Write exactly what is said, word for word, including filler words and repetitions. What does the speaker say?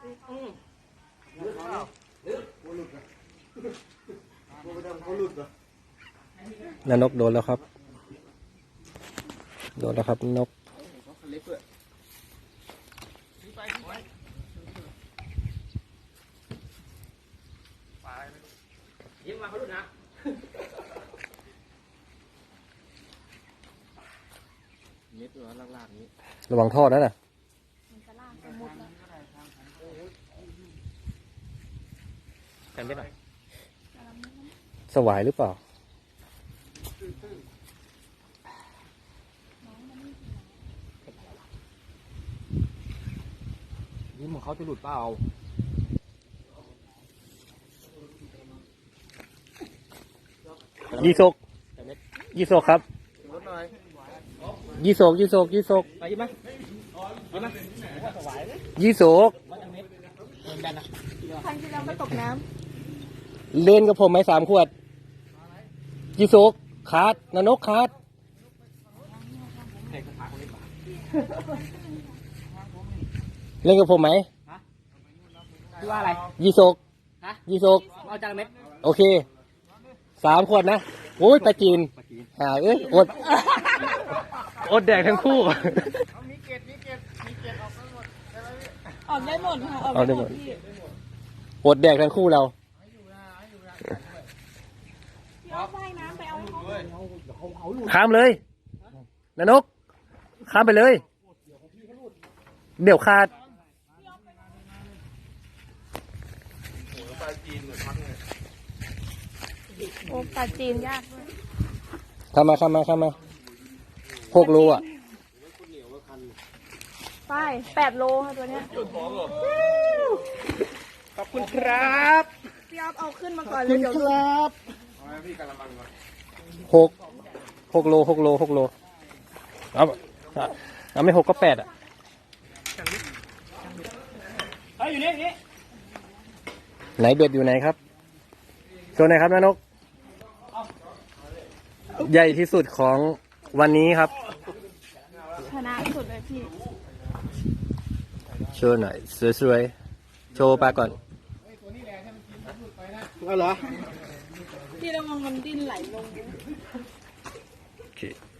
นนกโดนแล้วครับโดนแล้วครับนกยิ้มมาเขาดูนะเม็ดตัวลากๆนี้ระวังท่อนั่นน่ะกันไม่หน่อยสวายหรือเปล่ายิ้มของเขาจะหลุดเปล่ายี่โศกยี่โศกครับยี่โศกยี่โศกยี่โศกไปยิ้มไหมยิ้มไหมยี่โศกครั้งที่แล้วมาตกน้ำเล่นกับผมไหมสามขวดยี่โศกขาดนนกขาดเล่นกับผมไหมพี่ว่าอะไรยี่โศกยี่โศกเอาจานเม็ดโอเคสามขวดนะโอ้ยปลาจีนหาเอ้ยอดอดแดกทั้งคู่มีเกล็ดมีเกล็ดมีเกล็ดออกได้หมดค่ะออกได้หมดอดแดกทั้งคู่เราพี่เอาว่ายน้ำไปเอาให้เขาข้ามเลยนนกข้ามไปเลยเดี๋ยวขาดโอ้ปลาจีนยากด้วยข้ามมาข้ามมาข้ามมาหกโลอ่ะไปแปดโลค่ะตัวเนี้ยขอบคุณครับพี่อ๊อฟเอาขึ้นมาก่อนเลยเดี๋ยวครับหกหกโลหกโลหกโลเอาเอาไม่หกก็แปดอ่ะเฮ้ยอยู่นี่นี่ไหนเบ็ดอยู่ไหนครับโชว์หน่อยครับนนกใหญ่ที่สุดของวันนี้ครับชนะสุดเลยพี่โชว์หน่อยสวยๆโชว์ปลาก่อนเอาเหรอพี่ระวังมันดิ้นไหลลงโอเค